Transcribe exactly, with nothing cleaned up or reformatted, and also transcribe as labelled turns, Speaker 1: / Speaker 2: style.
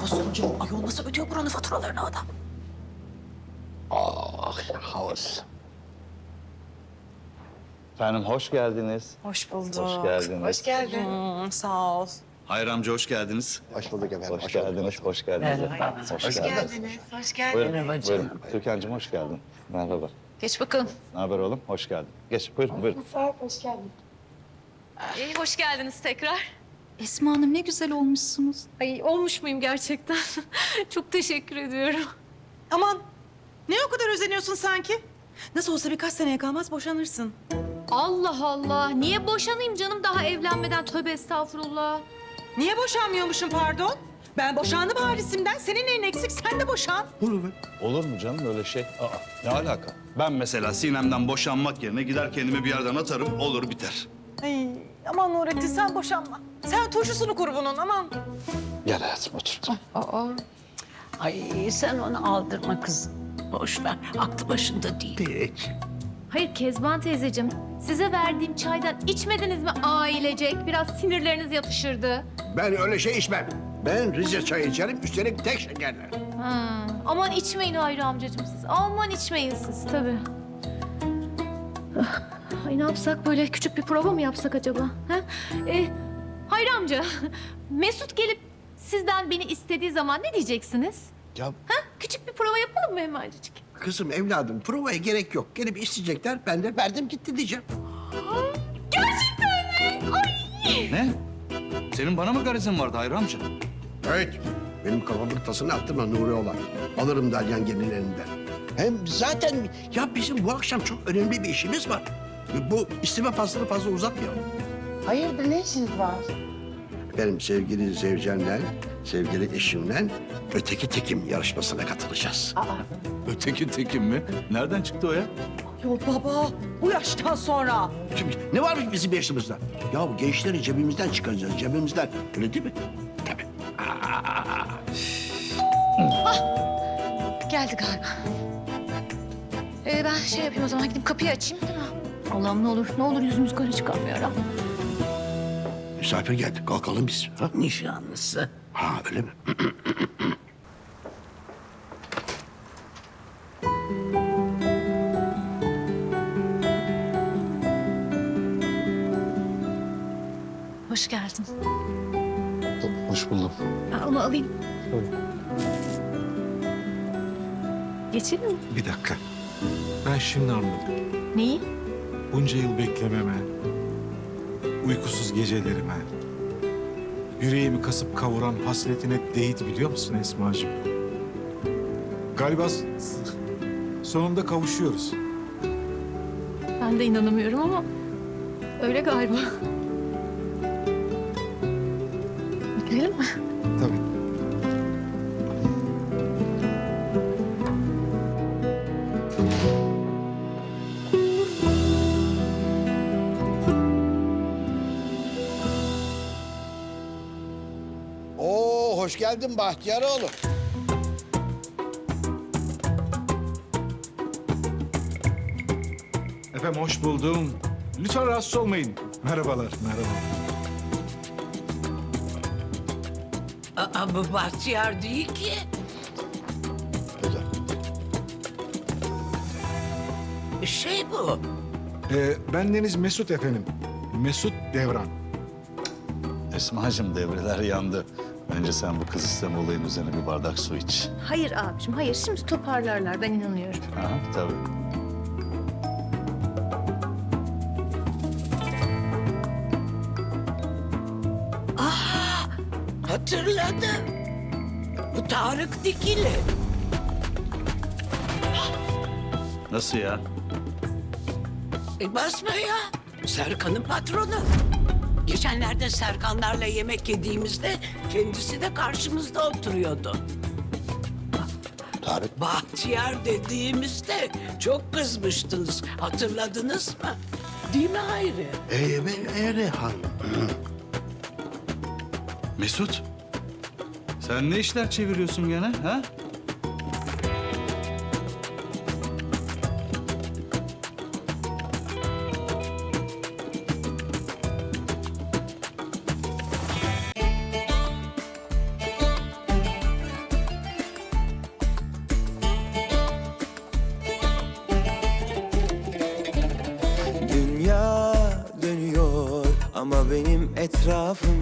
Speaker 1: yapıyorsun canım? Ayol nasıl ödüyor buranın faturalarını adam?
Speaker 2: Ah, havas. Efendim hoş geldiniz.
Speaker 1: Hoş bulduk.
Speaker 2: Hoş geldiniz.
Speaker 1: Hoş geldin. Hmm, sağ ol.
Speaker 3: Hayır amca hoş geldiniz.
Speaker 4: Hoş bulduk efendim.
Speaker 2: Hoş geldiniz, hoş geldiniz efendim. Hoş,
Speaker 1: Hoş
Speaker 2: geldiniz.
Speaker 1: geldiniz. Hoş geldiniz.
Speaker 2: Buyurun, buyurun. Türkan'cığım hoş geldin. Merhaba.
Speaker 1: Geç bakalım.
Speaker 2: Ne haber oğlum? Hoş geldin. Geç, buyurun, buyurun.
Speaker 5: İyi, hoş geldiniz tekrar.
Speaker 6: Esma Hanım ne güzel olmuşsunuz.
Speaker 5: Ay, olmuş muyum gerçekten? Çok teşekkür ediyorum.
Speaker 1: Aman ne o kadar özeniyorsun sanki? Nasıl olsa birkaç seneye kalmaz boşanırsın.
Speaker 5: Allah Allah, niye boşanayım canım daha evlenmeden? Tövbe estağfurullah.
Speaker 1: Niye boşanmıyormuşum pardon? Ben boşandım harisimden. Senin neyin eksik? Sen de boşan.
Speaker 2: Olur mu canım öyle şey? Aa, ne alaka?
Speaker 3: Ben mesela Sinem'den boşanmak yerine gider kendimi bir yerden atarım, olur biter.
Speaker 1: Ay, aman Nurettin sen boşanma. Sen turşusunu kur bunun aman.
Speaker 2: Gel hayatım otur.
Speaker 7: Aa, ay sen onu aldırma kızım. Boş ver, aklı başında değil.
Speaker 5: Hayır Kezban teyzeciğim, size verdiğim çaydan içmediniz mi ailecek? Biraz sinirleriniz yatışırdı.
Speaker 4: Ben öyle şey içmem. Ben Rize çayı içerim, üstelik tek şekerler.
Speaker 5: Ha, aman içmeyin Hayri amcacığım siz. Aman içmeyin siz tabii. Ah, Ay ne yapsak böyle küçük bir prova mı yapsak acaba? Ha? Ee, Hayri amca, Mesut gelip sizden beni istediği zaman ne diyeceksiniz?
Speaker 4: Ya
Speaker 5: Ha? Küçük bir prova yapalım mı hemencik?
Speaker 4: kızım, evladım, provaya gerek yok. Gelip isteyecekler, ben de verdim gitti diyeceğim.
Speaker 5: Gerçekten mi? Ay!
Speaker 3: Ne? Senin bana mı garizin vardı Hayri amca?
Speaker 4: Evet, benim kafamın tasını attırma Nuri olan. Alırım Dalyan gelinin elinden. Hem zaten ya bizim bu akşam çok önemli bir işimiz var. Bu isteme faslını fazla uzatmayalım.
Speaker 7: Hayırdır, ne işiniz var?
Speaker 4: Benim sevgili Zevcen'le, sevgili eşimle öteki tekim yarışmasına katılacağız.
Speaker 3: Öteki tekim mi? Nereden çıktı o ya?
Speaker 1: Yok baba bu yaştan sonra.
Speaker 4: Şimdi ne varmış bizim yaşımızda? Ya bu gençleri cebimizden çıkaracağız, cebimizden. Öyle değil mi? Tabii.
Speaker 5: Geldi galiba. Ee, ben şey yapayım o zaman gidip kapıyı açayım değil mi? Allah'ım ne olur, ne olur yüzümüz kara çıkarmıyor.
Speaker 4: Misafir geldi, kalkalım biz. Ha,
Speaker 7: Nişanlısı.
Speaker 4: ha öyle mi?
Speaker 5: Hoş geldin.
Speaker 2: Hoş buldum.
Speaker 5: Ben onu alayım. Geçelim mi?
Speaker 8: Bir dakika. Ben şimdi anladım.
Speaker 5: Neyi?
Speaker 8: Bunca yıl beklememe, uykusuz gecelerime, yüreğimi kasıp kavuran hasretine değdi biliyor musun Esma'cığım? Galiba s- sonunda kavuşuyoruz.
Speaker 5: Ben de inanamıyorum ama öyle galiba. Gidelim mi?
Speaker 8: Tabii.
Speaker 4: Oo, hoş geldin Bahtiyaroğlu.
Speaker 8: Efendim hoş buldum. Lütfen rahatsız olmayın. Merhabalar, merhaba.
Speaker 7: Aa, bu bahtiyar değil ki. Şey bu.
Speaker 8: Ee, bendeniz Mesut efendim. Mesut Devran.
Speaker 2: Esma'cığım devreler yandı. Önce sen bu kız isteme olayın üzerine bir bardak su iç.
Speaker 5: Hayır abicim, hayır. Şimdi toparlarlar, ben inanıyorum.
Speaker 2: Aha, tabii.
Speaker 7: Hatırladım. Bu Tarık Dikili.
Speaker 3: Nasıl ya?
Speaker 7: E basma ya. Serkan'ın patronu. Geçenlerde Serkanlarla yemek yediğimizde kendisi de karşımızda oturuyordu.
Speaker 4: Tarık.
Speaker 7: Bahtiyar dediğimizde çok kızmıştınız. Hatırladınız mı? Değil mi Hayri?
Speaker 4: Ee, ben Erhan.
Speaker 3: Mesut, sen ne işler çeviriyorsun gene ha?
Speaker 9: Ama benim etrafım